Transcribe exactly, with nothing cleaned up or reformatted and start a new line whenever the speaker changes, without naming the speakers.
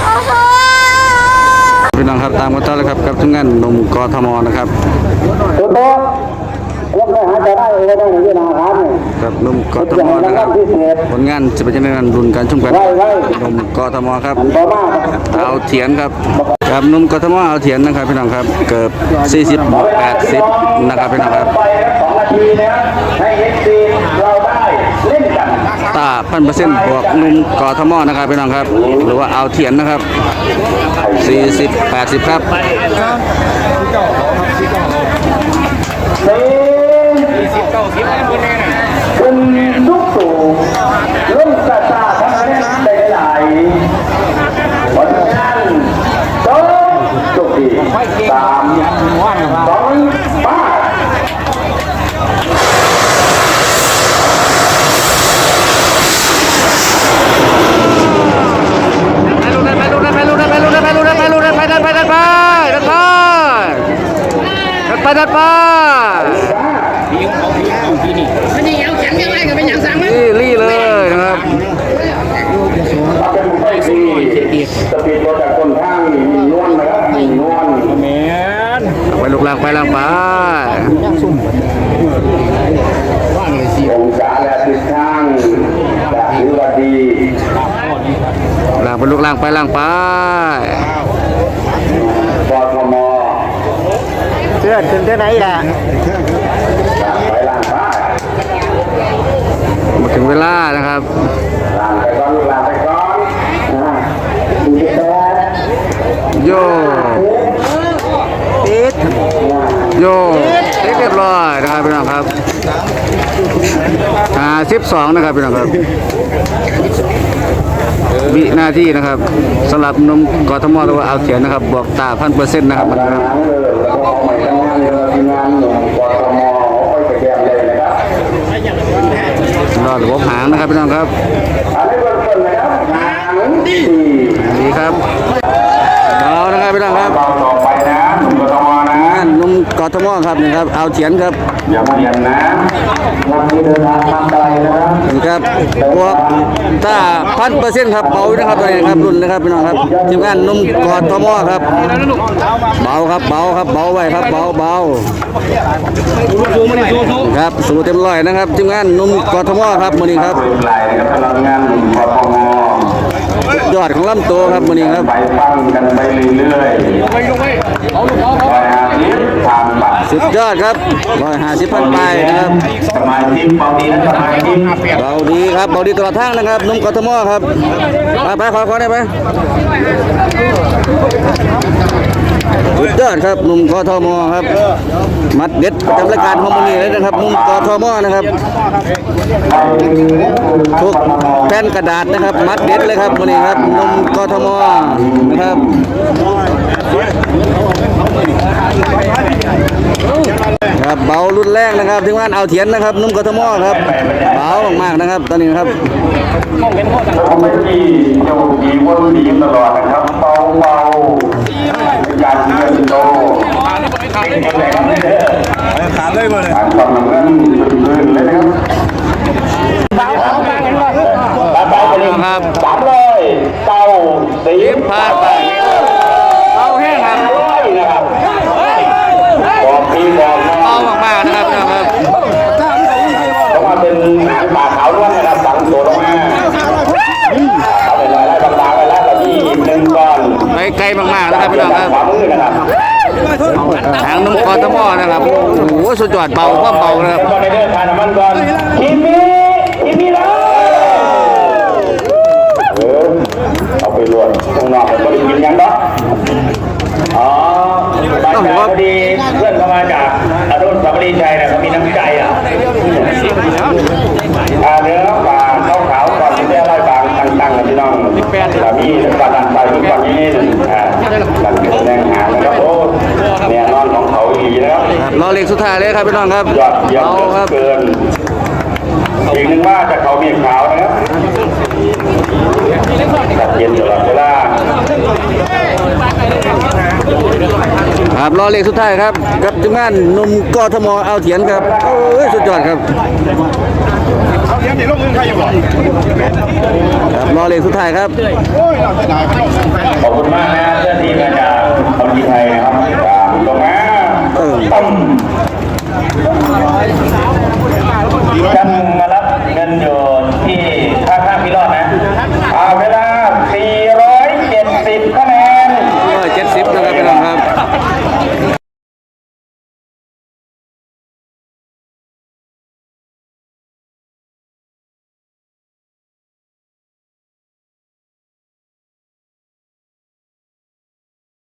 พี่น้องครับตามกันต่อเลยครับกับทุกงานหนุ่มกทมนะครับกับหนุ่มกทมนะครับผลงานจะเป็นยังไงนั้นรุ่นการชมกันหนุ่มกทมครับเอาเถียนครับกับหนุ่มกทมเอาเถียนนะครับพี่น้องครับเกือบสี่สิบแปดสิบนะครับพี่น้องครับตาพันเปอร์เซ็นต์บวกหนุ่มกทมนะครับพี่น้องครับหรือว่าเอาเถียนนะครับสี่สิบแปดสิบครับ
คุณลูกตู่ลุ่มกระตาทั้งนั้นได้หลายผลงานสองจุดสี่สามสองป้า
ไปดัดไป
มันนี่เอาแขนยังไงก็เป็นอย่างสั่งมั้ย
ลี่เลยนะครับ
เป็นไฟสีสปีดรถจากคนข้างมีนวลนะครับมีนวลแมน
ไปลูกหลังไปหลังไป
องศาและทิศทางจากนิวดี
หลังไปลูกหลังไปหลังไป
กทม
เชื่อถึงที่ไหนล่ะ
ไปล่างบ้าน
มาถึงเวลานะครับ
ล่างไปก่อนล่างไปก่อน
โยติดโยติดเรียบร้อยนะครับพี่น้องครับอ่าสิบสองนะครับพี่น้องครับวินาทีนะครับสำหรับนมกทมหรือว่าเอาเถียนนะครับบวกตาพันเปอร์เซ็นต์นะครับมันนะครับรอดหัวหางนะครับพี่น้องครับดีครับเอานะครับพี่น้องครับ
ต่อไปนะหนุ่มกทมนะ
นุ่มกทมครับนี่ครับเอาเถียนครับ
อย่าเปลี่ยนนะวันนี้เดินทางทางไกลนะครับ
นี่ครับบวกตาพันเปอร์เซ็นต์ครับเบานะครับตัวนี้ครับรุ่นนะครับพี่น้องครับทีมงานนุ่มกทมครับเบาครับเบาครับเบาไว้ครับเบาเบาครับสูเต็มร้อยนะครับทีมงานนุ่มกทมครับมื้อนี้ครับ
งานหนุ่มกทม
ยอดของลำตัวครับมื้อนี้ครับ
ไปฟังกันไปเรื่อยๆไปเอาลูกเอาไปหาทิพย์ทางบัตร
สุดยอดครับร้อยห้าสิบพันไปนะครับ
สมาชิกเบาดีนะสมาชิก
เบาดีครับเบาดีตลอดทางนะครับนุ่มกทมครับไปไปขอขอได้ไหมสุดยอดครับนุ่มกทมครับมัดเด็ดประจำรายการของมื้อนี้เลยนะครับนุ่มกทมนะครับทุกแผ่นกระดาษนะครับมัดเด็ดเลยครับมื้อนี้ครับนุ่มกทมนะครับครับเบารุ่นแรกนะครับถึงว่าเอาเถียนนะครับนุ่มกทมครับเบามากๆนะครับตอนนี้ครับ
เขาไม่ดีเจ้าดีวนดีตลอดนะครับเบาเบาอยากเงินโตขาเลยมาเลยความหนักนั้นลื่นเลยนะครับไปไปเลยครับสามร้อยเก้าสิบ
พาไปเอาแห้งครับ
นะครับบอกพี่บอก
เอามากๆนะครับนะครับ
ต้องมาเป็นหนังป่าขาวล้วนนะครับสั่งตัวลงมาเอาไปเลยไล่บางๆไปแล้วแบบนี้หนึ่งก้อน
ไปไกลมากๆนะครับพี่น้องครับทางนุ่มกทมนะครับโอ้โหสุดยอดเบาก็เบานะครับ
ตอนในเดินทางน้ำมันก่อนทีมีทีมีแล้วเออเอาไปรวมตรงนอกก็ได้กินยังเนาะอ๋อบางจากพอดีเพื่อนเข้ามาจากอนุสาวรีย์ชัยนะเขามีน้ำใจอ่ะเนื้อปลาข้าวขาวก่อนที่จะไล่ปลาตั้งๆนะพี่น้องแบบนี้ปลาดันไปทุกวันนี้อ่าหลังจากแรงหางนะครับโอ้เนี่ยนอนของเขาอีนะครับ
รอเล็กสุดท้ายเลยครับพี่น้องครับ
ยอดเยี่ยมเกินอีกหนึ่งว่าจะเขาเมียขาวนะครับจัดเย็นตลอดเวลา
ครับรอเล็กสุดท้ายครับกับทีมงานนุ่มกทมเอาเถียนครับโอ้ยสุดยอดครับครับรอเลขสุดท้ายครับ
ขอบคุณมากนะ